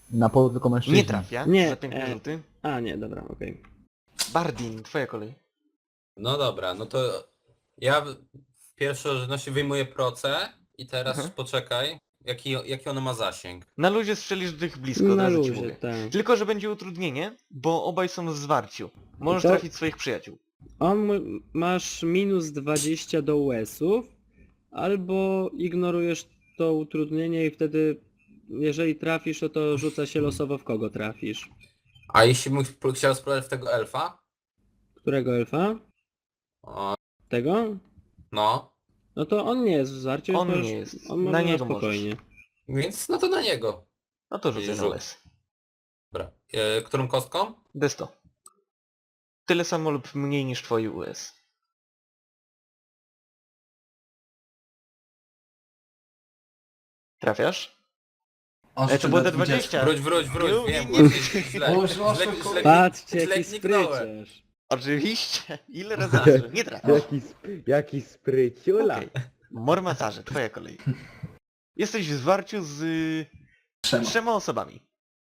Na polu tylko mężczyźni. Nie trafia, Nie, za piękne rzuty. A nie, dobra, okej. Bardin, twoja kolej. No dobra, no to ja w pierwszej rzędności wyjmuję proce i teraz Mhm. poczekaj, jaki ono ma zasięg. Na luzie strzelisz do tych blisko, od Na razu ci luzie, mówię. tak. Tylko, że będzie utrudnienie, bo obaj są w zwarciu. Możesz To- trafić swoich przyjaciół. Masz minus 20 do US-ów, albo ignorujesz to utrudnienie i wtedy, jeżeli trafisz, to rzuca się losowo w kogo trafisz. A jeśli bym chciał sprawdzić w tego elfa? Którego elfa? O, Tego? no, No to on nie jest w zwarciu, On więc nie możesz- jest. On Na może niego spokojnie. więc no to na niego. No to rzucę na Rzut. les. Dobra, którą kostką? D100. Tyle samo lub mniej niż twoi US. Trafiasz? To było D20. Wróć, Nie, wiem, nie, właśnie źle. Patrzcie, jaki kliknąłem. spryciarz. Oczywiście. Ile razy razy? Nie trafiasz. Jaki spryciula. Okej. Mormatarze, twoja kolej. Jesteś w zwarciu z trzema osobami.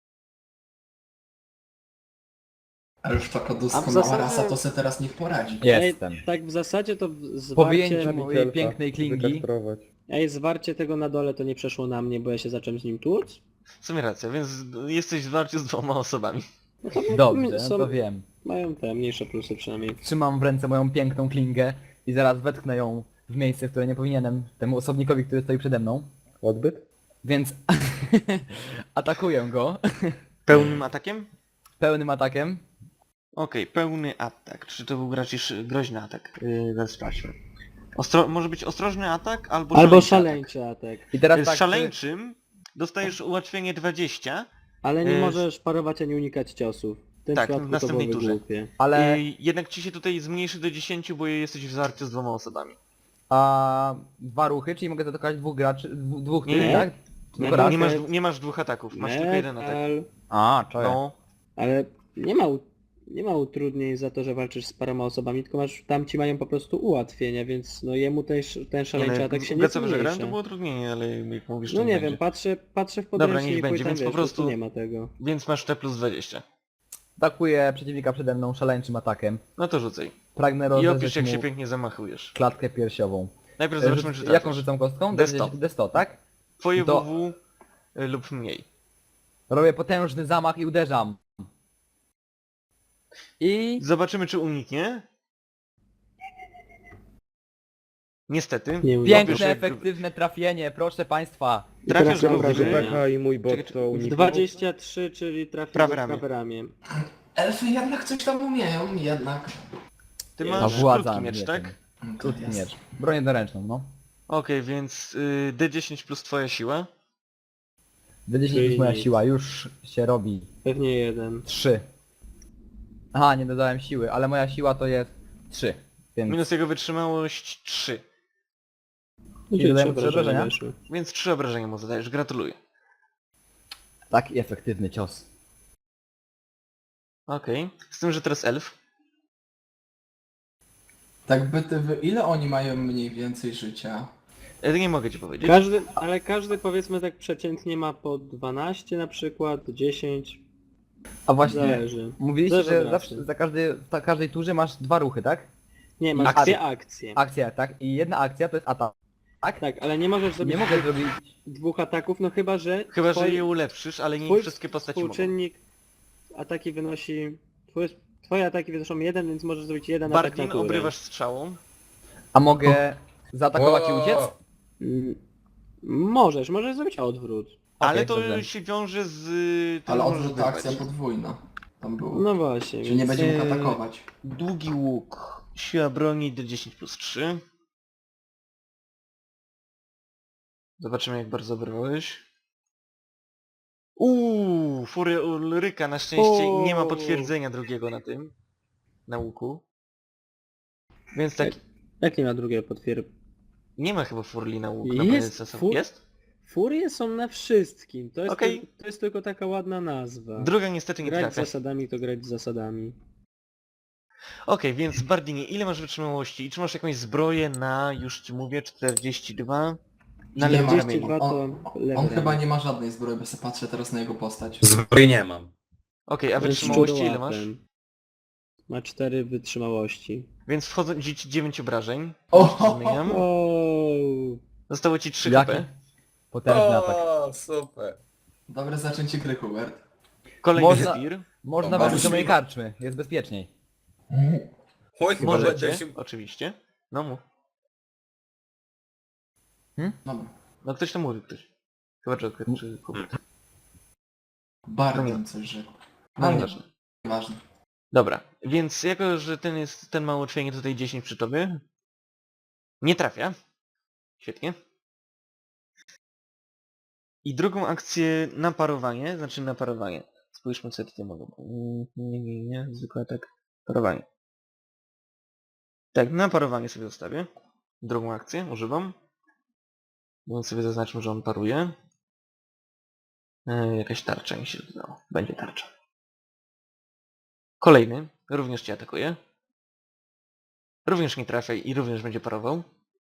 Ale już taka A w doskonała zasadzie- rasa, to se teraz niech poradzi. Jestem. Tak w zasadzie to Po zwarcie... wyjęciu mojej pięknej klingi. Zwarcie tego na dole to nie przeszło na mnie, bo ja się zacząłem z nim tłuc. W sumie racja, więc jesteś w zwarciu z dwoma osobami. Dobrze, Są- to wiem. Mają te mniejsze plusy przynajmniej. Trzymam w ręce moją piękną klingę i zaraz wetknę ją w miejsce, w które nie powinienem, temu osobnikowi, który stoi przede mną. Odbyt? Więc atakuję go Pełnym atakiem? pełnym atakiem. Okej, pełny atak. Czy to był raczej groźny atak? Zaraz sprawdźmy. Może być ostrożny atak albo Albo szaleńczy szaleńczy atak. I atak. teraz Z tak, szaleńczym dostajesz ułatwienie 20, Ale nie Y, możesz parować ani unikać ciosów. W tym tak, w przypadku następnej to byłoby turze. głupie. ale jednak ci się tutaj zmniejszy do 10, bo jesteś w zwarciu z dwoma osobami. a dwa ruchy, czyli mogę zaatakować dwóch graczy, dwóch Nie, tych, nie. tak? Nie, Tylko raz? Nie masz dwóch ataków, masz tylko jeden atak. A, czaję. No, Ale nie ma utrudnień za to, że walczysz z paroma osobami, tylko tamci mają po prostu ułatwienia, więc no jemu ten szaleńczy atak się nie co że grałem, to zmniejsza. było trudniej, ale jak mówisz, No to nie będzie. wiem, patrzę w Dobra, podręcznik niech i będzie, tam, więc wiesz, po prostu- nie ma tego. Więc masz T plus 20. Atakuję przeciwnika przede mną szaleńczym atakiem. No to rzucaj. Pragnę I rozerwać opisz jak mu się pięknie zamachujesz. klatkę piersiową. Najpierw zobaczmy, czy Jaką trafisz. rzucam kostką? D100. D100, tak? Twoje to- WW lub mniej. Robię potężny zamach i uderzam. I... Zobaczymy, czy uniknie. Niestety. Nie Robisz Piękne, jak- efektywne trafienie, proszę państwa. Trafiasz teraz go mam w wrażenie. i mój bot Czekaj, to uniknął. 23, czyli trafił Prawe w ramię. prawe ramię. Elfy jednak coś tam umieją, jednak. Ty A masz władza krótki miecz, mieczem. tak? To Krótki jest. miecz. Broń jednoręczną, no. Okej, więc D10 plus twoja siła. D10 Czyli plus moja nic. siła, już się robi. Pewnie jeden. 3. Aha, nie dodałem siły, ale moja siła to jest 3. Więc Minus jego wytrzymałość 3. No, I dodałem trzy trzy obrażenia? weszły. Więc 3 obrażenia mu zadajesz. Gratuluję. taki efektywny cios. Okej. Z tym, że teraz elf. Tak ile oni mają mniej więcej życia? Nie mogę ci powiedzieć. Ale każdy powiedzmy tak przeciętnie ma po 12 na przykład, 10, A właśnie, zależy. mówiliście, Zależy że od zawsze, rasy. za każdej turze masz dwa ruchy, tak? Nie, masz Akcje. dwie akcje. Akcja, tak? I jedna akcja to jest atak. Tak, ale nie możesz zrobić Nie mogę zrobić... dwóch ataków, no chyba że Chyba, że twoi- je ulepszysz, ale nie twój wszystkie postaci mogą. współczynnik ataki wynosi... Twoje ataki wynoszą jeden, więc możesz zrobić jeden atak Bardin na turę. obrywasz strzałą. A mogę zaatakować i O! uciec? Mm, możesz zrobić odwrót. Ale to dobrze. się wiąże z... Ty Ale możesz odwrót wyrwać. akcja podwójna. Tam było. No właśnie, Czyli nie więc... będzie mógł atakować. Długi łuk. Siła broni D10 plus 3. Zobaczymy, jak bardzo obrywałeś. Furia Ulryka, na szczęście nie ma potwierdzenia drugiego na tym. Na łuku. Więc tak, Jak nie ma drugiego potwierdzenia? nie ma chyba furli na łuk na Jest PSS. fur- Jest? Furie są na wszystkim, to jest, Okej. to jest tylko taka ładna nazwa. Druga niestety nie Grać z trafia. zasadami to grać z zasadami. Okej, więc Bardinie, ile masz wytrzymałości? I czy masz jakąś zbroję na, już ci mówię, 42? Na Nie lewym ma. ramieniu. 42 to lewy On chyba ramię. nie ma żadnej zbroi, bo sobie patrzę teraz na jego postać. Zbroi nie mam. Okej, a On jest wytrzymałości ile masz? szczurołapem. Ma 4 wytrzymałości. Więc wchodzi ci 9 obrażeń. O! Zmieniam. O, Zostało ci 3 Jaki HP. potężny atak. O, super. Dobre zaczęcie gry, Hubert. Kolejny Można- Spear. Można O, wrócić do bardzo mojej śmigo. karczmy, jest bezpieczniej. Oj, chyba Możecie, będę się... oczywiście. No mów. Dobra. No ktoś to mówi, ktoś. Chyba Joker czy Hubert. Bardzo No nie. bym coś rzekł. No Ale nieważne. nieważne. Dobra, więc jako, że ten ma ułatwienie tutaj 10 przy tobie. Nie trafia. Świetnie. I drugą akcję na parowanie, znaczy na parowanie. Spójrzmy co ja tutaj mogę. Nie, zwykły atak. Parowanie. Tak, na parowanie sobie zostawię. Drugą akcję używam. Więc sobie zaznaczmy, że on paruje. Jakaś tarcza mi się dodało. Będzie tarcza. Kolejny. Również cię atakuje. Również nie trafia i również będzie parował.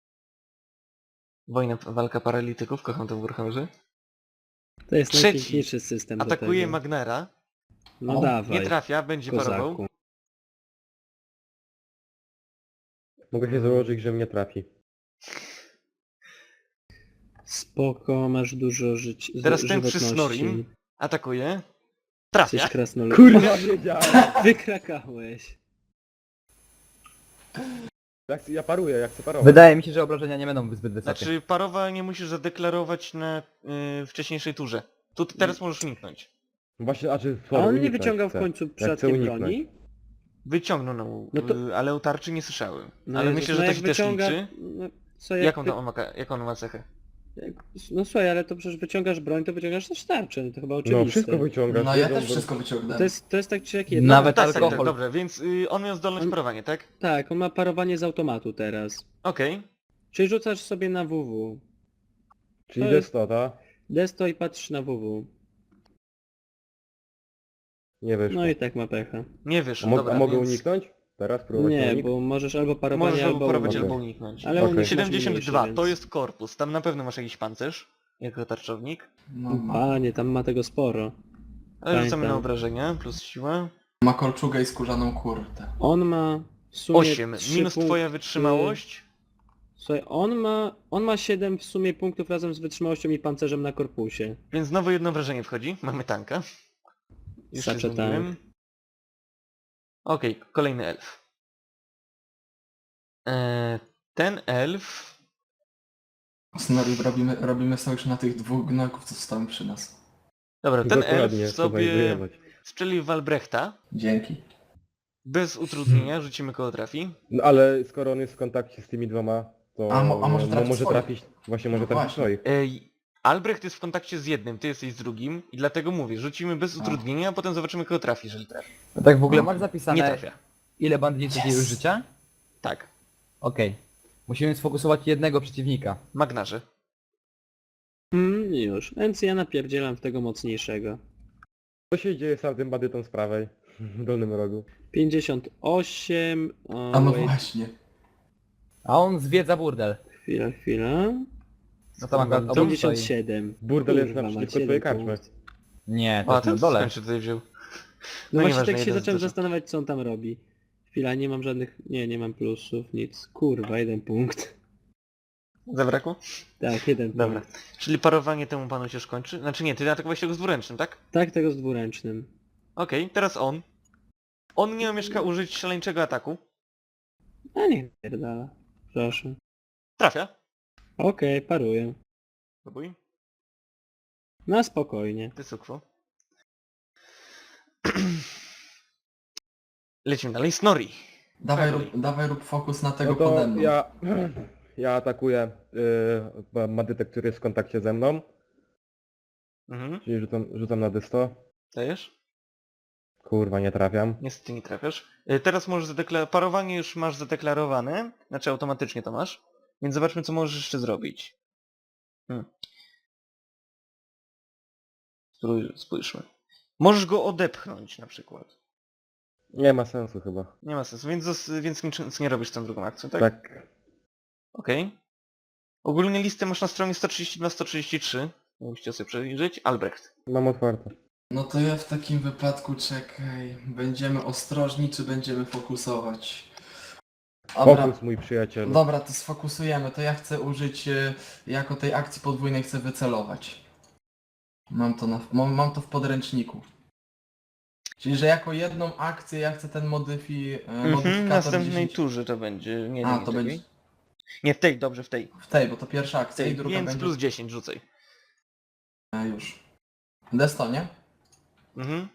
Walka paralityków, kocham to w Warhammerze. to jest Trzeci najpiękniejszy system do Atakuje tego. Magnera. No O, dawaj, Nie trafia, będzie parował. kozaku. Mogę się założyć, że mnie trafi. Spoko, masz dużo Teraz ten przy żywotności. Snorim. Atakuje. Trafia. Jesteś krasnolud. Kurwa, wiedziałem! Wykrakałeś. Ja paruję, jak chcę parować. Wydaje mi się, że obrażenia nie będą zbyt wysokie. Znaczy parowa nie musisz zadeklarować na wcześniejszej turze. Tu teraz możesz uniknąć. Właśnie, a czy A on nie uniknąć wyciągał chcę. w końcu chcę przypadkiem uniknąć. broni? Wyciągnął, No to- ale o tarczy nie słyszałem. No ale Jezus, myślę, no że to jak się też wyciąga... liczy. No, co, jak Jaką on ma cechę? No słuchaj, ale to przecież wyciągasz broń, to wyciągasz też tarczę, no to chyba oczywiste. No wszystko wyciągasz. No ja jedną też broń. wszystko wyciągnąłem. To jest tak czy jak jedno. Nawet Tak, tak, tak, alkohol. dobrze, więc on miał zdolność On- parowania, tak? Tak, on ma parowanie z automatu teraz. Okej. Czyli rzucasz sobie na WW. Czyli to to jest- jest to, ta? Desto i patrzysz na WW. Nie wyszło. No i tak ma pecha. Nie wyszło, a dobra, mogę więc uniknąć? Teraz próbować Nie, unik? bo możesz albo parowanie, możesz albo parować, unik. albo uniknąć. Ale Okej. unik masz 72, mniejszy, to więc- jest korpus, tam na pewno masz jakiś pancerz, jako tarczownik. No, Panie, tam ma tego sporo. Ale rzucamy Pamiętam. na obrażenia, plus siła. ma kolczugę i skórzaną kurtę. On ma w sumie 8, 3 minus punkty... twoja wytrzymałość. Słuchaj, on ma 7 w sumie punktów razem z wytrzymałością i pancerzem na korpusie. Więc znowu jedno wrażenie wchodzi, mamy tanka. Już się Sacze zmieniłem. Okej, kolejny elf. Ten elf... Snorri, robimy sojusz na tych dwóch gnojków, co stoją przy nas. Dobra, ten Dokładnie, elf to sobie znajdować. strzelił Walbrechta. Dzięki. Bez utrudnienia, rzucimy koło trafi. No ale skoro on jest w kontakcie z tymi dwoma, to A może trafić swoich? trafić... Właśnie może No trafić właśnie. swoich. Albrecht jest w kontakcie z jednym, ty jesteś z drugim i dlatego mówię, rzucimy bez A. utrudnienia, a potem zobaczymy kogo trafi, jeżeli trafi. No tak w ogóle No. masz Nie zapisane trafia. ile bandytów Yes. jest życia? Tak. Okej. Musimy sfokusować jednego przeciwnika. Magnarze. Już. Więc ja napierdzielam w tego mocniejszego. Co się dzieje z tamtym bandytą z prawej? W dolnym rogu. 58... O, A no wait, właśnie. A on zwiedza burdel. chwila. No to akurat obok stoi. 57. Burdel jest Kurwa, ma naprzeciwko 7 twojej karczmy. punktów. Nie, to O, jest na ten dole. skąd się tutaj wziął? No No właśnie nieważne, tak się jeden zacząłem zdarza. zastanawiać, co on tam robi. Chwila, nie mam żadnych... Nie mam plusów, nic. Kurwa, 1 punkt. Zabrakło? Tak, 1 Dobra. punkt. Czyli parowanie temu panu się skończy? Znaczy nie, ty atakowałeś tego z dwuręcznym, tak? Tak, tego z dwuręcznym. Okej, teraz on. On nie omieszka użyć szaleńczego ataku. A niech pierdala. Proszę. Trafia. Okej, paruję. Próbuj. Na spokojnie. Ty sukwo. Lecimy dalej. Snorri. Dawaj rób fokus na tego No to pode mną. ja atakuję bandytę, który jest w kontakcie ze mną. Mhm. Czyli rzucam na dysto. Dajesz? Kurwa, nie trafiam. Niestety nie trafiasz. Teraz możesz zadeklarować... Parowanie już masz zadeklarowane. Znaczy automatycznie to masz. Więc zobaczmy co możesz jeszcze zrobić. Spójrzmy. Możesz go odepchnąć na przykład. Nie ma sensu chyba. Nie ma sensu, więc nic nie robisz z tą drugą akcją, tak? Tak. Okej. Ogólnie listę masz na stronie 132-133. Musicie sobie przejrzeć. Albrecht. Mam otwarte. No to ja w takim wypadku czekaj. Będziemy ostrożni, czy będziemy fokusować? Dobra, Fokus, mój przyjacielu. dobra, to sfokusujemy. To ja chcę użyć jako tej akcji podwójnej chcę wycelować. Mam to w podręczniku. Czyli, że jako jedną akcję ja chcę ten W modyfikator następnej 10... turze to będzie. Nie, A, nie to czekaj. będzie Nie, w tej, dobrze, w tej. w tej, bo to pierwsza W akcja i tej. druga Więc będzie... plus 10 rzucaj. Już. Desto, nie? Mhm.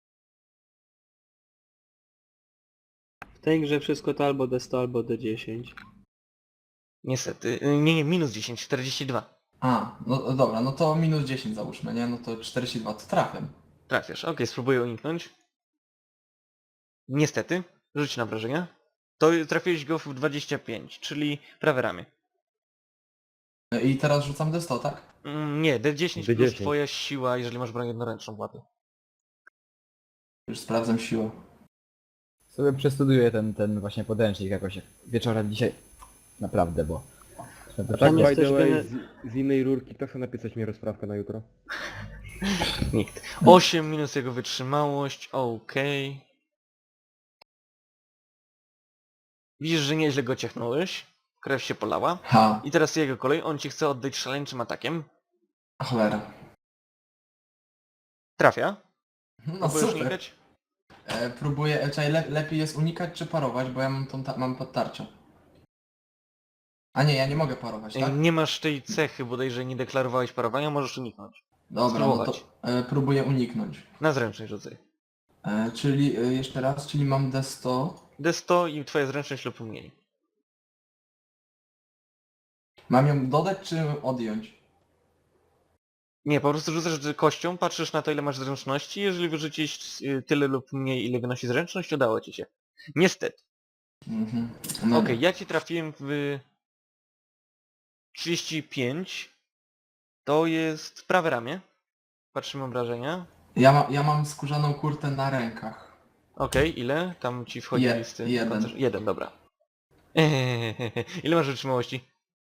W tej grze wszystko to albo D100, albo D10. Niestety. Nie, minus 10, 42. A, no dobra, no to minus 10 załóżmy, nie? No to 42, to trafię. Trafiasz. Okej, spróbuję uniknąć. Niestety. Rzuć na wrażenia. To trafiłeś go w 25, czyli prawe ramię. I teraz rzucam desto, tak? Nie, D10 plus D10. twoja siła, jeżeli masz broń jednoręczną włady. Już sprawdzam siłę. Sobie przestudiuję ten właśnie podręcznik jakoś wieczorem dzisiaj. Naprawdę, bo... Tak, Tam jest by też the way, gene- z innej rurki, kto chce napisać mi rozprawkę na jutro? Nikt. 8 minus jego wytrzymałość, okej. Widzisz, że nieźle go ciechnąłeś. Krew się polała. Ha, I teraz jego kolej, on ci chce oddać szaleńczym atakiem. cholera. Trafia. No Próbujesz super. unikać? Próbuję, czyli lepiej jest unikać czy parować, bo ja mam mam podtarcia. A nie, ja nie mogę parować, tak? Nie masz tej cechy, bodajże nie deklarowałeś parowania, możesz uniknąć. Dobra, no to spróbować. próbuję uniknąć. Na zręczność rzucaj. Czyli jeszcze raz, czyli mam D100. D100 i twoja zręczność lub mniej. Mam ją dodać czy odjąć? Nie, po prostu rzucasz kością, patrzysz na to, ile masz zręczności, jeżeli wyrzucisz tyle lub mniej, ile wynosi zręczność, udało ci się. Niestety. Mhm. No, Okej, ja ci trafiłem w 35. To jest prawe ramię. Patrzymy obrażenia. ja mam skórzaną kurtę na rękach. Okej, ile? Tam ci wchodzi listy. Jeden. Jeden, dobra. Ile masz wytrzymałości?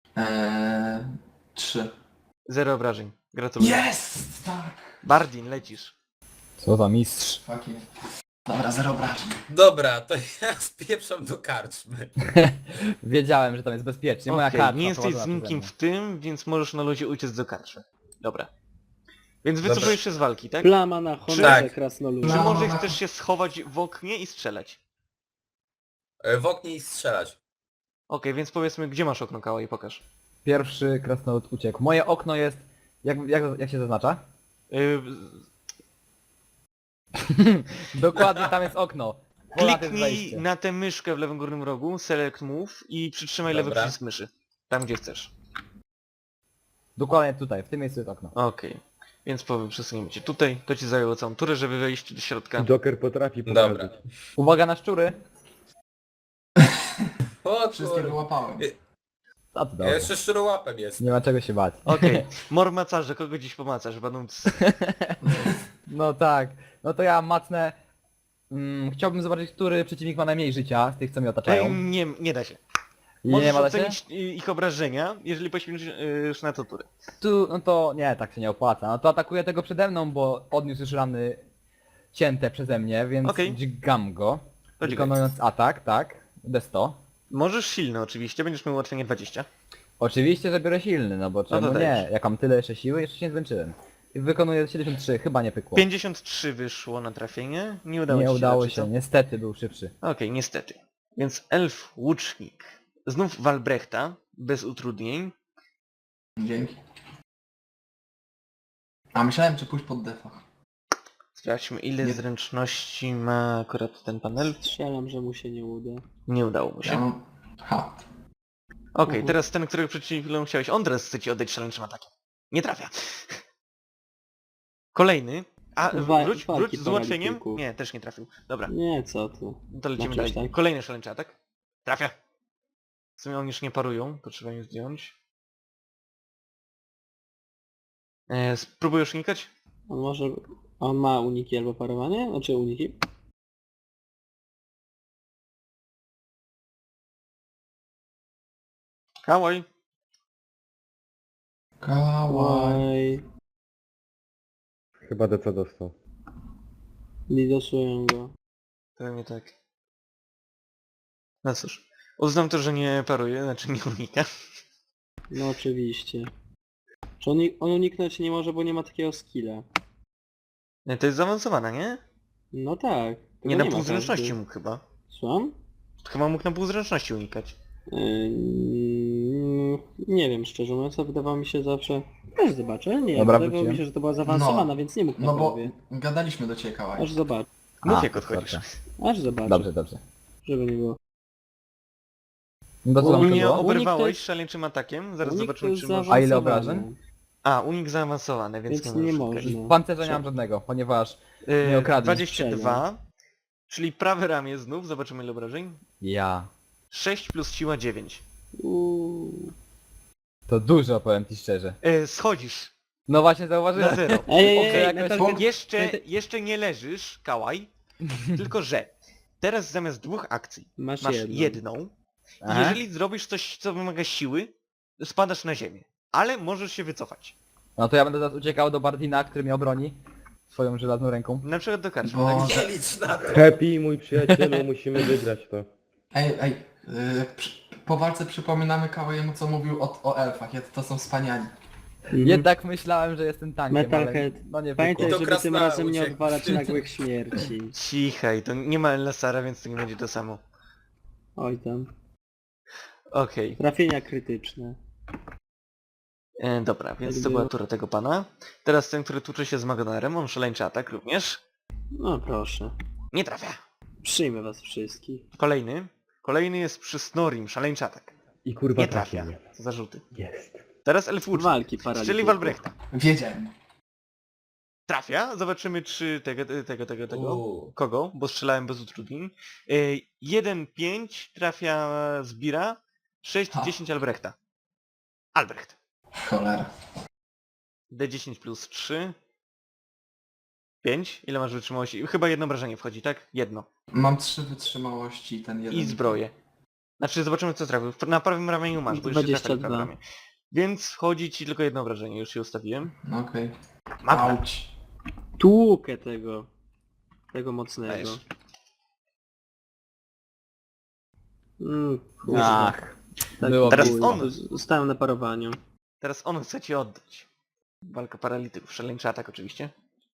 3. 0 obrażeń. Gratuluję. Jest! Tak! Bardin, lecisz. Co za mistrz. Fuck yeah. Dobra, 0 obrażeń. Dobra, to ja spieprzam do karczmy. Wiedziałem, że tam jest bezpiecznie. Moja Okej, karta nie jesteś z prowadzona nikim przeze w tym, więc możesz na luzie uciec do karczmy. Dobra. Więc Dobra. wycofujesz się z walki, tak? Plama na honorze Tak. krasnoludu. Czy No. może chcesz się schować w oknie i strzelać? W oknie i strzelać. Okej, więc powiedzmy, gdzie masz okno kała i pokaż. Pierwszy krasnolud uciekł. Moje okno jest... Jak się zaznacza? Dokładnie tam jest okno. Ponad jest Kliknij wejście. na tę myszkę w lewym górnym rogu, select move i przytrzymaj lewy Dobra. przycisk myszy. Tam gdzie chcesz. Dokładnie tutaj, w tym miejscu jest okno. Okej. Więc przesuniemy cię tutaj. To ci zajęło całą turę, żeby wejść do środka. Joker potrafi Dobra. pokazać. Uwaga na szczury! O Wszystkie kurde. wyłapałem. A to Ja dobrze. jeszcze szczurołapem jest. Nie ma czego się bać. Okej. Mor macarze, kogo dziś pomacasz? Badąc. No tak. No to ja macnę... chciałbym zobaczyć, który przeciwnik ma najmniej życia z tych, co mnie otaczają. Nie da się. I Możesz nie ma da się? ocenić ich obrażenia, jeżeli poświęcisz na to turę. Tu, no to nie, tak się nie opłaca. No to atakuję tego przede mną, bo odniósł już rany cięte przeze mnie, więc Okej. dźgam go. To Wykonując atak, tak. D100. Możesz silny oczywiście, będziesz miał ułatwienie 20. Oczywiście, że biorę silny, no bo czemu nie? dajesz. Jak mam tyle jeszcze siły, jeszcze się nie zmęczyłem. I wykonuję 73, chyba nie pykło. 53 wyszło na trafienie. Nie udało Nie ci się. udało raczej, się, co? niestety był szybszy. Okej, niestety. Więc elf łucznik. Znów Walbrechta, bez utrudnień. Dzięki. A myślałem, czy pójść pod defa. Sprawdźmy, ile Nie. zręczności ma akurat ten panel. Strzelam, że mu się nie uda. Nie udało mu Ja się. mam... Ha. Okej, teraz ten, którego przed chwilą chciałeś, on teraz chce ci oddać szaleńczym atakiem. Nie trafia. Kolejny. A, wróć walki z ułatwieniem? paralityków. Nie, też nie trafił. Dobra, Nie, co ty. no to lecimy Znaczy, dalej. tak. Kolejny szaleńczy atak. Trafia. W sumie oni już nie parują, to trzeba im zdjąć. Spróbujesz unikać? On może... On ma uniki albo parowanie? Znaczy uniki? Kałaj. Kałaj. Oj, Chyba DC dostał. nie dosują go. Pewnie tak. No cóż. Uznam to, że nie paruje, znaczy nie unika. No oczywiście. Czy on uniknąć nie może, bo nie ma takiego skilla. Nie, to jest zaawansowana, nie? No tak. tego Nie na ma półzręczności każdy. mógł chyba. Słucham? Chyba mógł na półzręczności unikać. Nie wiem, szczerze mówiąc, to wydawało mi się zawsze... Też zobaczę, nie, Dobra, wydawało mi wróciłem. się, że to była zaawansowana, No. więc nie mógł na No bo połowie. gadaliśmy do ciebie, Kałaj. Aż zobacz, Mów jak odchodzisz. aż zobacz, Dobrze, dobrze. żeby nie było. No to co tam Mnie było? Unik oberwałeś to jest- szaleńczym atakiem, zaraz Unik to zobaczymy jest czy może... A ile zaawansowane, obrażeń? A, unik zaawansowany, więc, Więc nie nie możesz można. unikać. W pancerze nie mam żadnego, ponieważ nie okradli. 22, czyli prawe ramię znów, zobaczymy ile obrażeń. ja... 6 plus siła 9. To dużo, powiem ci szczerze. Schodzisz No właśnie na zauważyłem. 0. Ej, Okej, ej, jakoś- Metal- Jeszcze nie leżysz, Kałaj, tylko że teraz zamiast 2 akcji Masz masz jedną. jedną. I Aha. jeżeli zrobisz coś, co wymaga siły, spadasz na ziemię. Ale możesz się wycofać. No to ja będę teraz uciekał do Bartina, który mnie obroni swoją żelazną ręką. Na przykład do karczmy. Bo... Tak? Nie licz na to. Happy, mój przyjacielu, musimy wygrać to. Ej, po walce przypominamy Kałajemu, co mówił o elfach. To są wspaniali. Jednak myślałem, że jestem tankiem, Metalhead. ale no nie Pamiętaj, wyszło. To żeby tym krasnala razem nie uciekł. odwalać nagłych śmierci. Cichaj, to nie ma Elasara, więc to nie będzie to samo. Oj tam. Okej. Trafienia krytyczne. Dobra, więc to była tura tego pana. Teraz ten, który tłucze się z Magonarem, on szaleńczy atak również. No proszę. Nie trafia. Przyjmę was wszystkich. Kolejny. Kolejny jest przy Snorim, szaleńczy atak. I kurwa Nie trafi trafia. mnie. Co za rzuty. Jest. Teraz Elf Łucznik. Walki Strzeli paralityków. Walbrechta. Wiedziałem. Trafia. Zobaczymy czy tego. Kogo? Bo strzelałem bez utrudnień. 1-5 trafia Zbira. 6-10 Albrechta. Albrecht. Cholera. D10 plus 3. 5. Ile masz wytrzymałości? Chyba jedno obrażenie wchodzi, tak? Jedno. Mam 3 wytrzymałości i ten jeden. I zbroję. Znaczy zobaczymy co trafił. Na prawym ramieniu masz, bo jeszcze trafia na 22. prawe ramię. Więc wchodzi ci tylko jedno obrażenie, już się ustawiłem. No okej. Magda. Auć. Tłukę tego. Tego mocnego. Dajesz. Kurwa. Ach, Tak, było Teraz blisko. on. Zostałem na parowaniu. Teraz on chce ci oddać. Walka paralityków, szaleńczy atak oczywiście.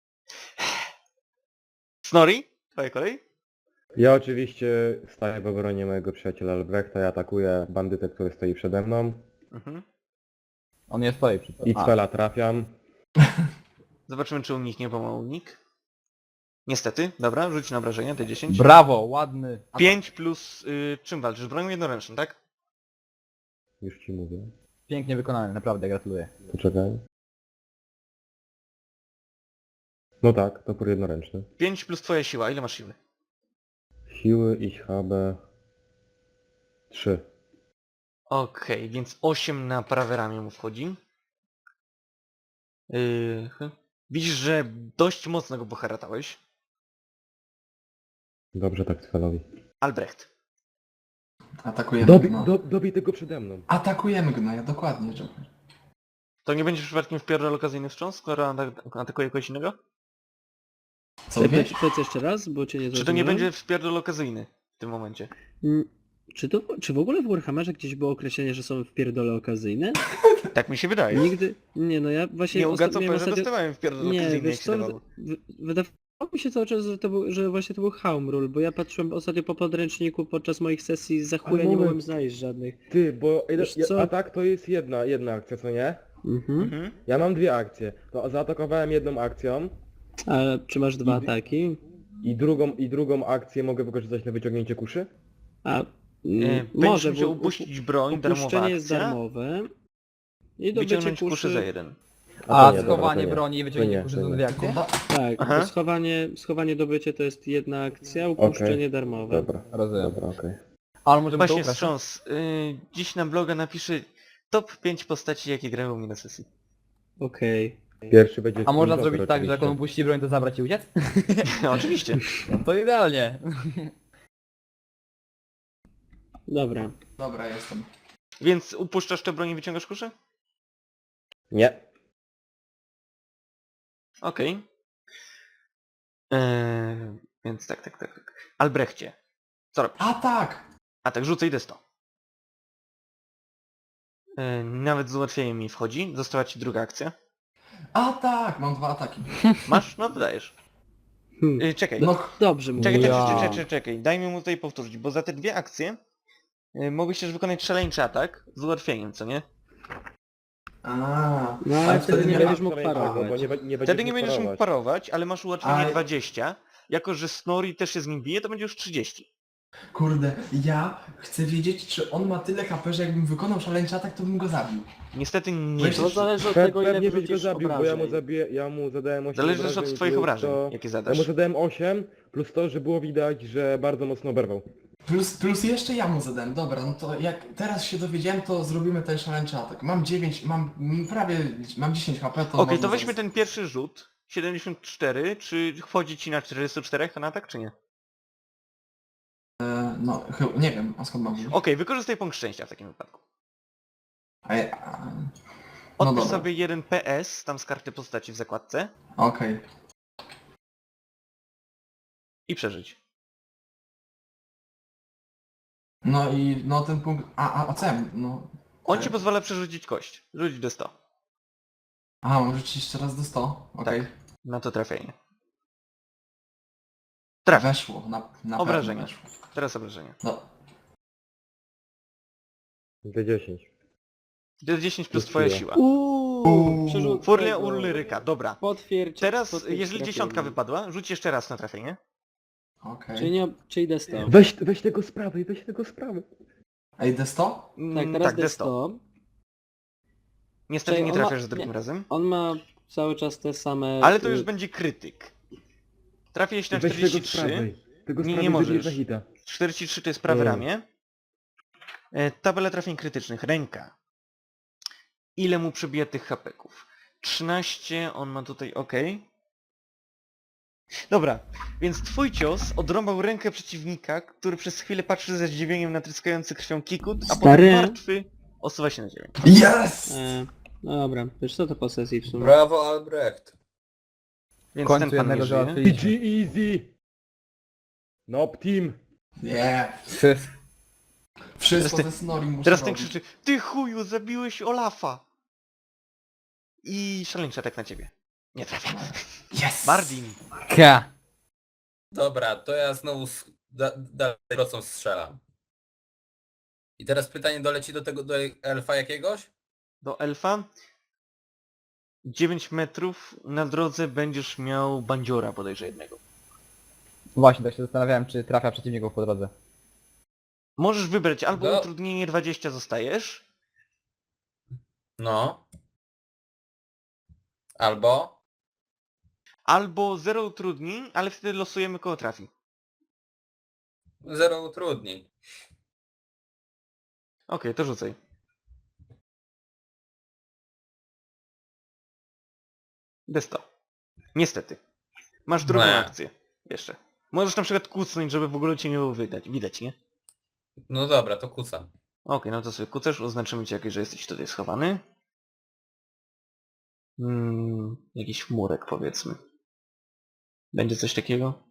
Snorri, twoja kolej? Ja oczywiście staję w obronie mojego przyjaciela Albrechta i atakuję bandytę, który stoi przede mną. Mhm. On jest stoi przy I cela trafiam. Zobaczymy czy uniknie, bo ma unik. Niestety, dobra, rzuć na obrażenia, T10. Brawo, ładny. 5 plus... czym walczysz? Bronią jednoręczną, tak? Już ci mówię. Pięknie wykonany, naprawdę gratuluję. Poczekaj. No tak, topór jednoręczny. 5 plus twoja siła, ile masz siły? Siły i HB 3. Okej, więc 8 na prawe ramię mu wchodzi. Widzisz, że dość mocno go poharatałeś. Dobrze tak celowi. Albrecht. Atakujemy gno. Dobij tego przede mną. Atakujemy gnoja, dokładnie, Joker. To nie będzie przypadkiem wpierdol okazyjny wstrząs, skoro atakuje kogoś innego? Co wiesz? Powiedz jeszcze raz, bo cię nie Czy to nie zrozumiałem. będzie wpierdol okazyjny w tym momencie? Czy w ogóle w Warhammerze gdzieś było określenie, że są wpierdole okazyjne? Tak mi się wydaje. Nigdy... Nie no, ja właśnie... Nie ostatnio miałem ugacę, że dostawałem wpierdol Nie, okazyjny, wiesz jak się co, dawało. wydawało mi się cały czas, że właśnie to był Home Rule, bo ja patrzyłem ostatnio po podręczniku podczas moich sesji za chuja nie moment. mogłem znaleźć żadnych. Ty, bo Wiesz co? atak to jest jedna akcja, co nie? Mhm. Ja mam 2 akcje. To zaatakowałem jedną akcją A czy masz 2 I- ataki? i drugą akcję mogę wykorzystać na wyciągnięcie kuszy? A Będziesz może, musiał bo upuścić broń, darmowa upuszczenie jest akcja, darmowe. I dobycie wyciągnąć kuszy kuszy... za 1. A to nie, dobra, schowanie to nie. broni i To wyciągnięcie nie, kurzy to są nie. dwie akcje? Tak, Aha. bo schowanie dobycie to jest jedna akcja, upuszczenie darmowe. Dobra, Rozumiem. dobra, okej. Ale możemy to Właśnie ukraść. wstrząs. Dziś na bloga napiszę top 5 postaci, jakie grają u mnie na sesji. Okej. Pierwszy będzie... A można Joker zrobić tak, że jak on oczywiście. upuści broń, to zabrać i uciec? Oczywiście. No to idealnie. Dobra. Dobra, jestem. Więc upuszczasz tę broń i wyciągasz kuszę? Nie. Okej. Więc tak. Albrechcie. Co robisz? A tak! A tak, rzucę, idę 100. Nawet z ułatwieniem mi wchodzi. Została ci druga akcja. A tak! Mam 2 ataki. Masz? No dodajesz. Czekaj. No, Dobrze mu. Czekaj. Dajmy mu tutaj powtórzyć, bo za te 2 akcje mogłeś też wykonać szaleńczy atak z ułatwieniem, co nie? No ale wtedy nie będziesz mógł Bo parować. Wtedy nie będziesz mógł parować, ale masz ułatwienie Ale- 20. Jako, że Snorri też się z nim bije, to będzie już 30. Kurde, ja chcę wiedzieć, czy on ma tyle HP, że jakbym wykonał szaleńczy atak, to bym go zabił. Niestety nie Weź- To wiesz. zależy od tego, ile Pewnie byś go wrzucisz zabił, bo obrażeń. ja mu zadałem 8 Zależy też obrażeń od twoich plus obrażeń, to- jakie Ja zadasz. mu zadałem 8, plus to, że było widać, że bardzo mocno oberwał. Plus jeszcze ja mu zadałem. Dobra, no to jak teraz się dowiedziałem, to zrobimy ten szaleńczy atak. Mam 9, mam 10 HP, to Okej, można to weźmy zaraz- ten pierwszy rzut. 74, czy wchodzi ci na 44 na atak, czy nie? No, nie wiem, a skąd mam wiedzieć? Okej, wykorzystaj punkt szczęścia w takim wypadku. No Odpisz dobra, sobie 1 PS, tam z karty postaci w zakładce okej. i przeżyć. No i no ten punkt... A co ja... No... On ci pozwala przerzucić kość. Rzuć D100. Aha, mam rzucić jeszcze raz do 100? Okej. Tak. Na to trafienie. Trafia. Weszło, na Obrażenia. pewno weszło. Teraz obrażenia. No, D10. D10 plus Plus twoja siła. siła. Przerzut Furlia tego. Ulryka, dobra. Potwierdź. Teraz, potwierdź jeżeli trafienie. dziesiątka wypadła, rzuć jeszcze raz na trafienie. okej. Czyli D100. Weź tego z prawej, weź tego z prawej. Ej, D100? Tak, teraz Tak, D100. D100. Niestety Czekaj, nie on ma- trafiasz za drugim nie. razem. On ma cały czas te same... Ale to już będzie krytyk. Trafiłeś na Weź tego z 43. prawej. Tego z Nie, prawej nie możesz. wybierz na hita. 43 to jest prawe Mm. ramię. Tabela trafień krytycznych. Ręka. Ile mu przebija tych hapeków? 13, on ma tutaj ok. Dobra, więc twój cios odrąbał rękę przeciwnika, który przez chwilę patrzy ze zdziwieniem na tryskający krwią kikut, a potem Stary. martwy osuwa się na ziemię. Yes! No dobra, wiesz co to po sesji w sumie? Brawo, Albrecht. Więc W końcu ten pan jednego nie żyje. załatwiliśmy. GG easy! Nope team! Nie! Wszyscy. Wszystko Teraz ze Snorri muszę Teraz ten robić. krzyczy: ty chuju, zabiłeś Olafa! I szaleńczy atak na ciebie. Nie trafia. Yes! Mardin. K. Dobra, to ja znowu dalej procą strzelam. I teraz pytanie doleci do elfa jakiegoś? Do elfa. 9 metrów na drodze będziesz miał bandziora bodajże jednego. Właśnie, tak się zastanawiałem, czy trafia przeciwników po drodze. Możesz wybrać albo No. utrudnienie 20 zostajesz, No. Albo? albo 0 utrudnień, ale wtedy losujemy kogo trafi. 0 utrudnień. Okej, to rzucaj. D100. Niestety. Masz drugą Nie. akcję. Jeszcze. Możesz na przykład kucnąć, żeby w ogóle cię nie było widać, nie? No dobra, to kucam. Okej, no to sobie kucasz, oznaczymy cię jakieś, że jesteś tutaj schowany. Jakiś murek powiedzmy. Będzie coś takiego?